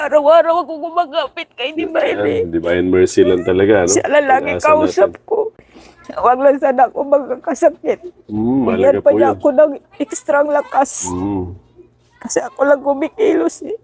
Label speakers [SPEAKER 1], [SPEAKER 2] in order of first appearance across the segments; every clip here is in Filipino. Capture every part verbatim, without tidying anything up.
[SPEAKER 1] Araw-araw ako gumagapit kay Divine eh.
[SPEAKER 2] Yan, Divine Mercy lang talaga, no?
[SPEAKER 1] Siya lang lagi
[SPEAKER 2] Pag-asa
[SPEAKER 1] kausap
[SPEAKER 2] natin.
[SPEAKER 1] ko. Huwag lang sana ako magkakasakit.
[SPEAKER 2] Mm,
[SPEAKER 1] Bigyan
[SPEAKER 2] malaga
[SPEAKER 1] pa
[SPEAKER 2] po
[SPEAKER 1] niya
[SPEAKER 2] yun.
[SPEAKER 1] ako ng ekstrang lakas.
[SPEAKER 2] Mm.
[SPEAKER 1] Kasi ako lang kumikilos eh.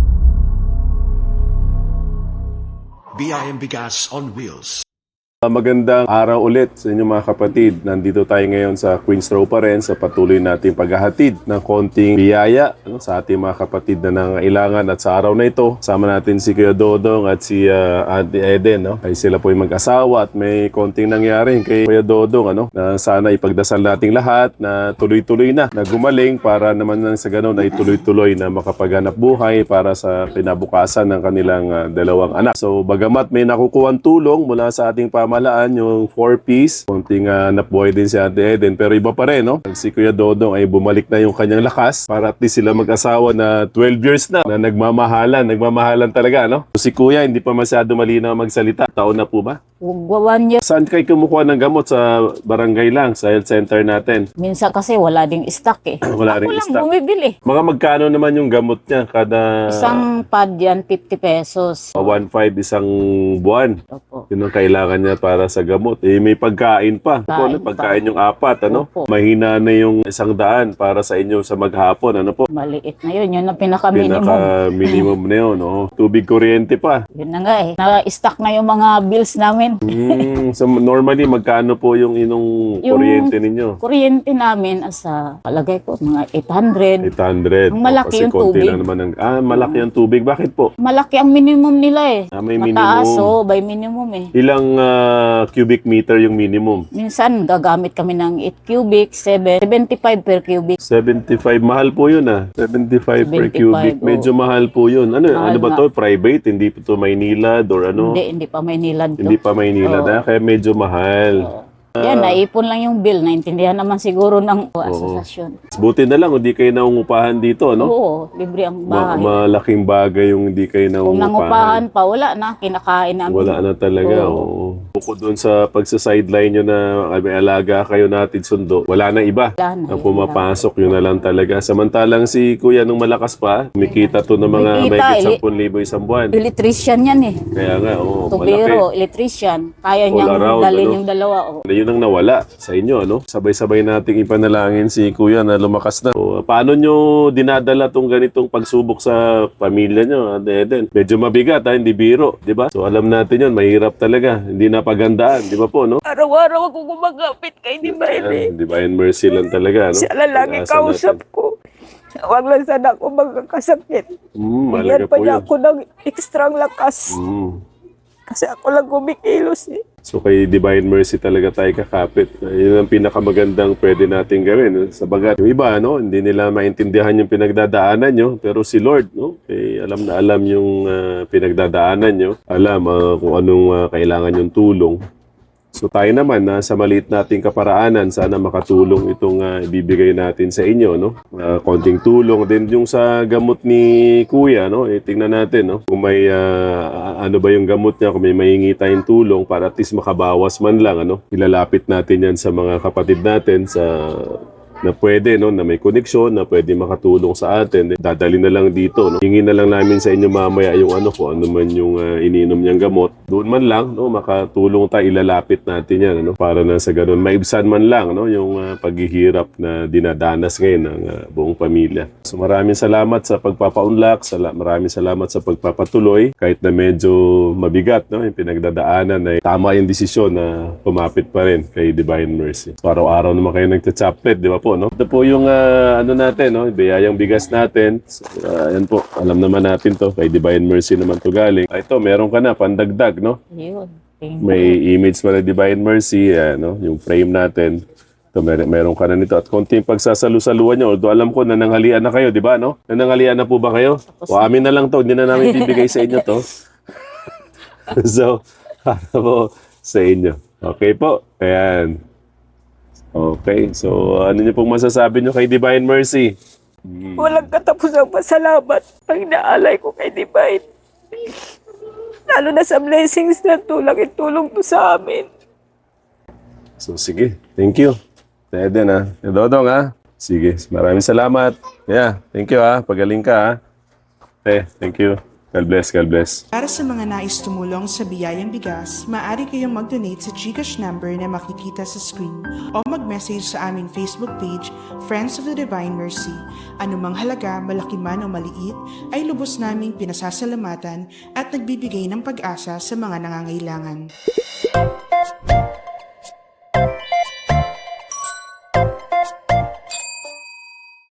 [SPEAKER 3] B I M Bigas on Wheels.
[SPEAKER 2] Uh, Magandang araw ulit sa inyo mga kapatid. Nandito tayo ngayon sa Queens Row pa rin sa patuloy nating paghahatid ng konting biyaya, ano, sa ating mga kapatid na nangailangan. At sa araw na ito, sama natin si Kuya Dodong at si uh, Auntie Eden. No? Ay sila po yung mag-asawa at may konting nangyari kay Kuya Dodong. Ano? Na sana ipagdasal nating lahat na tuloy-tuloy na, na gumaling para naman nang sa ganun ay tuloy-tuloy na makapaghanap buhay para sa kinabukasan ng kanilang uh, dalawang anak. So bagamat may nakukuhang tulong mula sa ating pamahalaan, yung four piece, konting uh, nabuhay din si Auntie Eden, pero iba pa rin, no? Si Kuya Dodong ay bumalik na yung kanyang lakas para at least sila mag-asawa na twelve years na, na nagmamahalan, nagmamahalan talaga, no? Si Kuya hindi pa masyado malinaw magsalita. Taon na po ba?
[SPEAKER 1] One year.
[SPEAKER 2] Saan kayo kumukuha ng gamot? Sa barangay lang, sa health center natin?
[SPEAKER 1] Minsan kasi wala ding stock eh.
[SPEAKER 2] Wala ring
[SPEAKER 1] Ako lang
[SPEAKER 2] stock.
[SPEAKER 1] bumibili.
[SPEAKER 2] Mga magkano naman yung gamot niya kada
[SPEAKER 1] Isang pad yan, fifty pesos.
[SPEAKER 2] one five isang buwan?
[SPEAKER 1] Opo.
[SPEAKER 2] Yun ang kailangan niya para sa gamot. Eh, may pagkain pa. Opo,
[SPEAKER 1] Kain
[SPEAKER 2] ano, pagkain yung apat, ano?
[SPEAKER 1] Opo.
[SPEAKER 2] Mahina na yung isang daan para sa inyo sa maghapon, ano po?
[SPEAKER 1] Maliit na yun. Yun ang pinaka-minimum.
[SPEAKER 2] Pinaka-minimum na yun, no? Tubig, kuryente pa.
[SPEAKER 1] Yun na nga eh. Na-stock na yung mga bills namin.
[SPEAKER 2] Hmm, so normally, magkano po yung inong
[SPEAKER 1] Yung-
[SPEAKER 2] kuryente ninyo?
[SPEAKER 1] Kuryente namin asa, palagay ko, mga eight hundred.
[SPEAKER 2] eight hundred.
[SPEAKER 1] Ang malaki
[SPEAKER 2] Kasi
[SPEAKER 1] yung
[SPEAKER 2] konti
[SPEAKER 1] tubig.
[SPEAKER 2] lang naman ang, ah, malaki ang tubig. Bakit po?
[SPEAKER 1] Malaki ang minimum nila eh.
[SPEAKER 2] Ah, may
[SPEAKER 1] Mataas
[SPEAKER 2] minimum.
[SPEAKER 1] oh, by minimum eh.
[SPEAKER 2] Ilang ah, cubic meter yung minimum?
[SPEAKER 1] Minsan gagamit kami ng eight cubic, seven, seventy-five per cubic.
[SPEAKER 2] seventy-five. Mahal po yun ah. seventy-five per
[SPEAKER 1] seventy-five,
[SPEAKER 2] cubic. Medyo mahal po yun. Ano,
[SPEAKER 1] Mahal
[SPEAKER 2] ano ba
[SPEAKER 1] nga.
[SPEAKER 2] to? Private? Hindi po to Maynilad or ano?
[SPEAKER 1] Hindi, hindi pa may nilad to.
[SPEAKER 2] Hindi pa Maynilad
[SPEAKER 1] Oo.
[SPEAKER 2] ah. Kaya medyo mahal.
[SPEAKER 1] Yan, naipon lang yung bill. Naintindihan naman siguro ng asosasyon.
[SPEAKER 2] Buti na lang, hindi kayo naungupahan dito, no?
[SPEAKER 1] Oo, libre ang
[SPEAKER 2] Ma-
[SPEAKER 1] bahay.
[SPEAKER 2] malaking bagay yung hindi kayo
[SPEAKER 1] Kung
[SPEAKER 2] naungupahan.
[SPEAKER 1] nangupahan pa, wala na. Kinakain namin.
[SPEAKER 2] Wala na talaga, oo. Bukod doon sa pagsa-sideline nyo na ah, may alaga kayo natin sundo, wala na iba
[SPEAKER 1] Wala na.
[SPEAKER 2] ang pumapasok. Yun na lang talaga. Samantalang si Kuya nung malakas pa, kumikita to ng mga
[SPEAKER 1] Kumikita,
[SPEAKER 2] may
[SPEAKER 1] ili-
[SPEAKER 2] ten thousand isang buwan.
[SPEAKER 1] Electrician yan eh.
[SPEAKER 2] Kaya nga, oo, malaki.
[SPEAKER 1] Tubero, electrician. Kaya
[SPEAKER 2] All
[SPEAKER 1] niyang
[SPEAKER 2] around,
[SPEAKER 1] dalhin
[SPEAKER 2] ano?
[SPEAKER 1] yung dalawa. Oh.
[SPEAKER 2] Yun ang nawala sa inyo, ano? Sabay-sabay nating ipanalangin si Kuya na lumakas na. So, paano nyo dinadala tong ganitong pagsubok sa pamilya nyo, Ate Eden? Medyo mabigat, ha? Hindi biro, di ba? So, alam natin yun, mahirap talaga. Hindi na pagandaan, di ba po, no?
[SPEAKER 1] Araw-araw ako gumagapit kay Divine eh.
[SPEAKER 2] Yan, Divine Mercy lang talaga, no?
[SPEAKER 1] Siya lang lagi
[SPEAKER 2] Pag-asa
[SPEAKER 1] kausap
[SPEAKER 2] natin.
[SPEAKER 1] ko. Huwag lang sana ako magkakasakit.
[SPEAKER 2] Mm,
[SPEAKER 1] Bigyan
[SPEAKER 2] malaga
[SPEAKER 1] pa
[SPEAKER 2] po
[SPEAKER 1] niya
[SPEAKER 2] yun.
[SPEAKER 1] ako ng ekstrang lakas.
[SPEAKER 2] Mm.
[SPEAKER 1] Kasi ako lang kumikilos eh.
[SPEAKER 2] So kay Divine Mercy talaga tayo kakapit. Yun ang pinakamagandang pwede natin gawin. Sa bagat, yung iba, no, hindi nila maintindihan yung pinagdadaanan nyo. Pero si Lord, no, eh, alam na alam yung ah, pinagdadaanan nyo. Alam ah, kung anong ah, kailangan yung tulong. So tayo naman, na sa maliit nating kaparaanan, sana makatulong itong ah, ibibigay natin sa inyo, no? Ah, konting tulong din yung sa gamot ni Kuya, no? Eh, tingnan natin, no? Kung may ah, ano ba yung gamot niya, kung may mahingi tayong tulong para at least makabawas man lang, ano? Ilalapit natin yan sa mga kapatid natin sa na pwede, no, na may koneksyon, na pwede makatulong sa atin. Dadali na lang dito, no. Hingin na lang namin sa inyo mamaya yung ano ko, ano man yung uh, iniinom niyang gamot. Doon man lang, no, makatulong tayo, ilalapit natin yan, no, para na sa ganun maibsan man lang, no, yung uh, paghihirap na dinadanas ngayon ng uh, buong pamilya. So maraming salamat sa pagpapaunlak, sala maraming salamat sa pagpapatuloy, kahit na medyo mabigat, no, yung pinagdadaanan, ay tama yung desisyon na pumapit pa rin kay Divine Mercy. So, araw-araw naman kayo nagcha-chaplet, di ba po? No? Ito po yung uh, ano natin, no? Biyayang bigas natin. So, uh, yan po, alam naman natin to. Kay Divine Mercy naman to galing. Ah, ito, meron ka na, pandagdag, no?
[SPEAKER 1] Yun. Thank you.
[SPEAKER 2] May image pa na Divine Mercy, uh, no? Yung frame natin. Ito, mer meron ka na nito. At konting pagsasalu-saluan nyo. Although alam ko, nananghalian na kayo, di ba, no? Nananghalian na po ba kayo? O amin na lang to, hindi na namin bibigay sa inyo to. So, para po sa inyo. Okay po, ayan. Okay, so ano niyo pong masasabi niyo kay Divine Mercy?
[SPEAKER 1] Walang katapusang pasalamat ang inaalay ko kay Divine. Lalo na sa blessings na tulong itulong po sa amin.
[SPEAKER 2] So sige, thank you. Eden ha, Dodong ha. Sige, maraming salamat. Yeah, thank you ha, pagaling ka ha. Eh, thank you. God bless, God bless.
[SPEAKER 4] Para sa mga nais tumulong sa Biyayang Bigas, maaari kayong mag-donate sa GCash number na makikita sa screen o mag-message sa aming Facebook page, Friends of the Divine Mercy. Anumang halaga, malaki man o maliit, ay lubos naming pinasasalamatan at nagbibigay ng pag-asa sa mga nangangailangan.